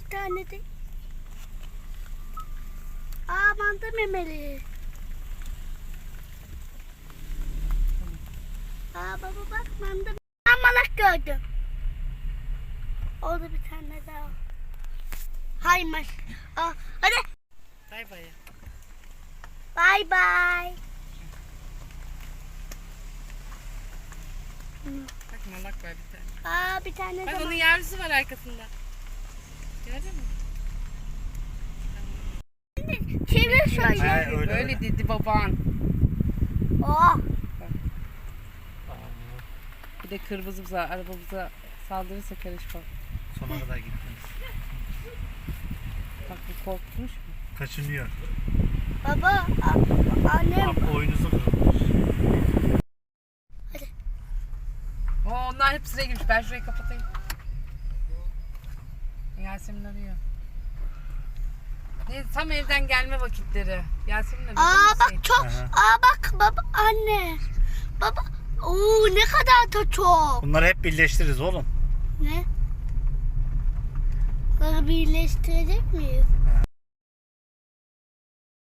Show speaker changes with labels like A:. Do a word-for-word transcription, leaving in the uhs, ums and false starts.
A: iki tane de. Aa manda memeli. Aa baba bak manda. Ben malak gördüm. Orada bir tane daha. Haymış. Aa, hadi.
B: Bay bay.
A: Bye bye.
B: Bak malak var bir tane.
A: Aa bir tane
B: Bak
A: daha.
B: onun yavrusu var arkasında. Gördün mü?
A: Çevir şöyle.
C: Ha, öyle,
B: Böyle
C: öyle.
B: dedi baban.
A: Oh.
B: Bir de kırmızımıza, arabamıza saldırırsa karışma.
C: Sona kadar gittiniz.
B: Bak bu korkmuş mu?
C: Kaçınıyor.
A: Baba, a- annem.
C: Abi oyunuzu kırılmış.
B: Oo, onlar hep sıraya girmiş. Ben şurayı kapatayım. Yasemin arıyor. Ne, tam evden gelme vakitleri. Yasemin arıyor.
A: Aa
B: değil mi
A: bak
B: Hüseyin?
A: çok.
C: Aha.
A: Aa bak baba anne. Baba. Oo ne kadar da çok.
C: Bunları hep birleştiririz oğlum.
A: Ne? Bunları birleştirecek miyiz?
C: Ha.